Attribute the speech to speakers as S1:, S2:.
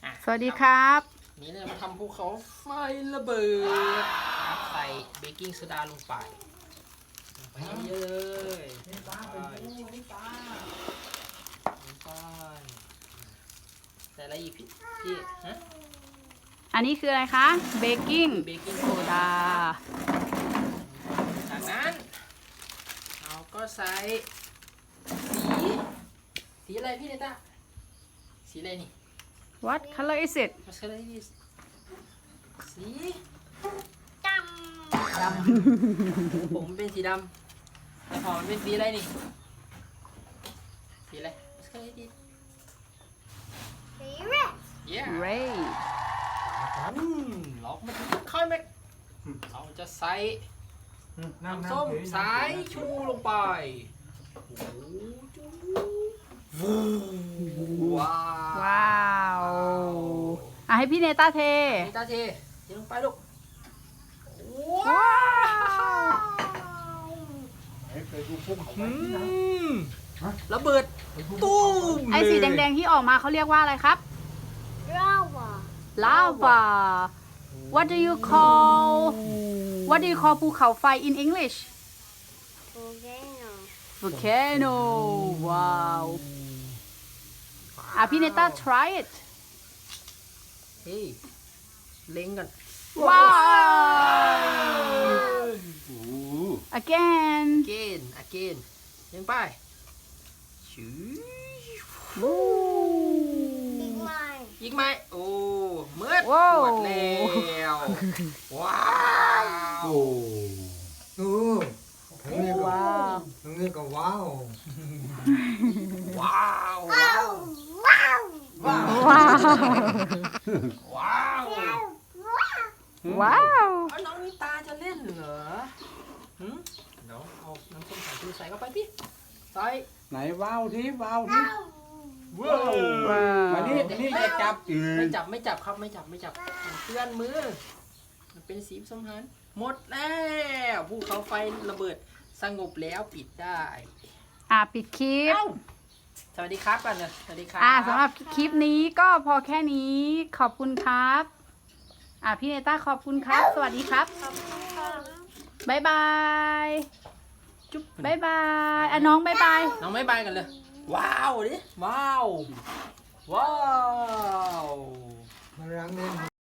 S1: สวัสดีครับ
S2: นี่เรามาทำภูเขาไฟระเบิดใส่เบกกิ้งโซดาลงไปเยอะเลยไปใส่อะไรอีกพี่ฮะ
S1: อันนี้คืออะไรคะเบกกิ้งโซดา
S2: จากนั้นเราก็ใส่สีอะไรพี่เนต้าสีอะไรนี่
S1: What color is it
S2: มาเฉลยดิสี
S3: ด
S2: ำผมเป็นสีดำแต่พอมันเป็นสีอะไรนี่สีอะไรมาเฉลยดิ
S3: สีเร็ด
S2: yeah
S1: Ray
S2: เรามาค่อยไหมเราจะใส่น้ำส้มสายชูลงไปว้าว
S1: ว้าวให้พี่เนต้าเท
S2: นี่ตาเทลงไปลูก
S1: ว้
S2: ว้า
S1: าว
S2: ระเบิดตุ้ม
S1: ไอสีแดงๆที่ออกมาเขาเรียกว่าอะไรครับ
S3: ลาวา
S1: Lava What do you call ภูเขาไฟ in English
S3: โอเคเนาะ
S1: Volcano ว้าวพี่เนต้า try it
S2: เฮ้ยเล็งกัน
S1: ว้าว again
S2: again ยังไปชื้อ
S3: อีกไหม
S2: ยิงไหมโอ้เมื่อ
S1: ว้าว
S2: หมดแล้วว้าว
S1: ว้าว
S4: นี่ก็ว้าว
S2: ว้าว
S3: ว้าวว้าว
S2: ว้าว
S1: ว้าว
S2: ว้าว
S1: ว้าว
S2: เอาน้องนิตาจะเล่นเหรอหืมเดี๋ยวเอาน้ำส้มสายชูใส่เข้าไปพี่ใส่
S4: ไหนว้าวที่ว้าวที่
S2: ว้าว
S4: มานี่อย่าจับ
S2: ไม่จับครับไม่จับมันเปื้อนมือมันเป็นสีผสมพันธุ์หมดแล้วภูเขาไฟระเบิดสงบแล้วปิดได้
S1: ปิดคลิป
S2: เอ้าสวัสดีครับกันเลยสวัสดีครับ
S1: สำหรับคลิปนี้ก็พอแค่นี้ขอบคุณครับพี่เนต้าขอบคุณครับ สวัสดีครับบ๊ายบาย
S2: จุ๊บ
S1: บ๊ายบายน้องบ๊ายบาย
S2: น้องไม่บายกันเลย ว้าวดิว้าวว้าว
S4: มาล้างเนี่ย